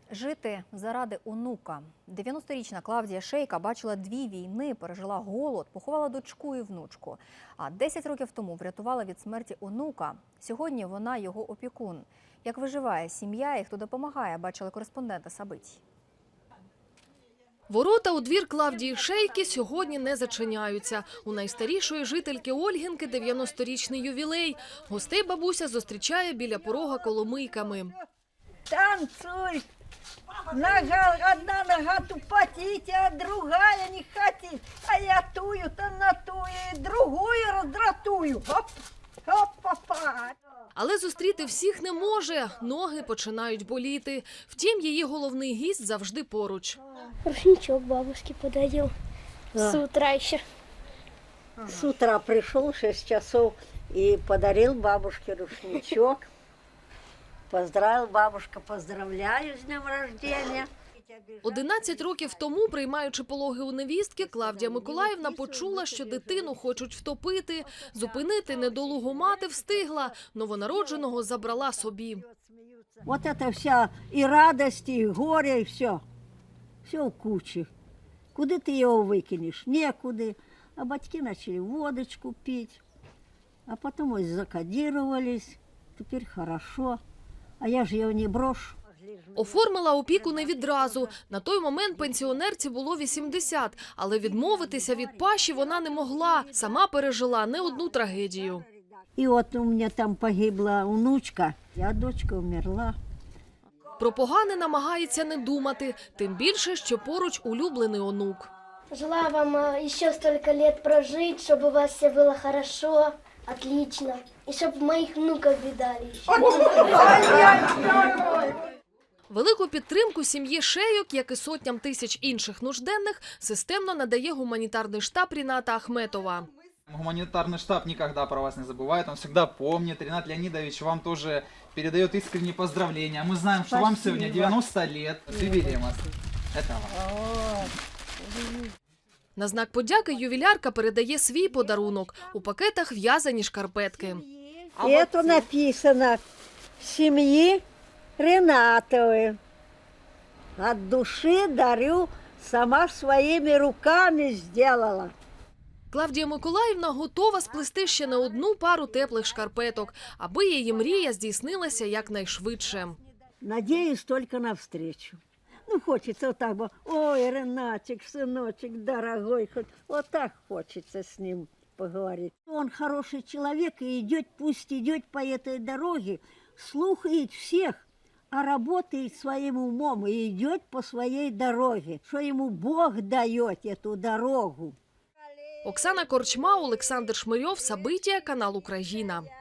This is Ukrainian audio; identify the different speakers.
Speaker 1: Жити заради онука. 90-річна Клавдія Шейка бачила 2 війни, пережила голод, поховала дочку і внучку. А 10 років тому врятувала від смерті онука. Сьогодні вона його опікун. Як виживає сім'я і хто допомагає, бачили кореспонденти Сабитій.
Speaker 2: Ворота у двір Клавдії Шейки сьогодні не зачиняються. У найстарішої жительки Ольгінки 90-річний ювілей. Гостей бабуся зустрічає біля порога коломийками.
Speaker 3: Танцуй! Одна нога тупотить, а другая не хотит. А я тую-то натую, и другую раздратую. Хоп, хоп, попа.
Speaker 2: Але зустріти всіх не може, ноги починають боліти. Втім, її головний гість завжди поруч.
Speaker 4: Рушничок бабушке подарил с утра еще.
Speaker 3: С утра пришел 6 часов и подарил бабушке рушничок. Поздравил бабушка, поздравляю с днем рождения.
Speaker 2: 11 років тому, приймаючи пологи у невістки, Клавдія Миколаївна почула, що дитину хочуть втопити. Зупинити недолугу мати встигла, новонародженого забрала собі.
Speaker 3: Вот это вся и радость, и горе, и все. Все в куче. Куда ты его выкинешь? Некуда. А батьки начали водочку пить. А потом вот закодировались. Теперь хорошо. А я же его не брошу.
Speaker 2: Оформила опіку не відразу. На той момент пенсіонерці було 80, але відмовитися від паші вона не могла. Сама пережила не одну трагедію.
Speaker 3: И вот у меня там погибла внучка, а дочка умерла.
Speaker 2: Про погане намагається не думати, тим більше, що поруч улюблений онук.
Speaker 4: Желаю вам еще столько лет прожить, чтобы у вас все было хорошо, отлично. И чтобы моих внуков видали.
Speaker 2: Велику підтримку сім'ї Шейок, як і сотням тисяч інших нужденних, системно надає гуманітарний штаб Ріната Ахметова.
Speaker 5: Гуманитарный штаб никогда про вас не забывает, он всегда помнит. Ринат Леонидович вам тоже передает искренние поздравления. Мы знаем, что вам сегодня 90 лет. С юбилеем вас. Это вам.
Speaker 2: На знак подяки ювілярка передає свій подарунок. У пакетах в'язані шкарпетки.
Speaker 3: И это написано «Семьи Ринатовой». От души дарю, сама своими руками сделала.
Speaker 2: Клавдія Миколаївна готова сплести ще не одну пару теплих шкарпеток, аби її мрія здійснилася якнайшвидше.
Speaker 3: Надеюсь только на встречу. Ну, хочется вот так бы, ой, Ренатик, сыночек, дорогой, хоть вот так хочется с ним поговорить. Он хороший человек и идет, пусть идет по этой дороге, слухает всех, а работает своим умом и идет по своей дороге, что ему Бог дает эту дорогу.
Speaker 2: Оксана Корчма, Олександр Шмирьов, Сабитія, канал Україна.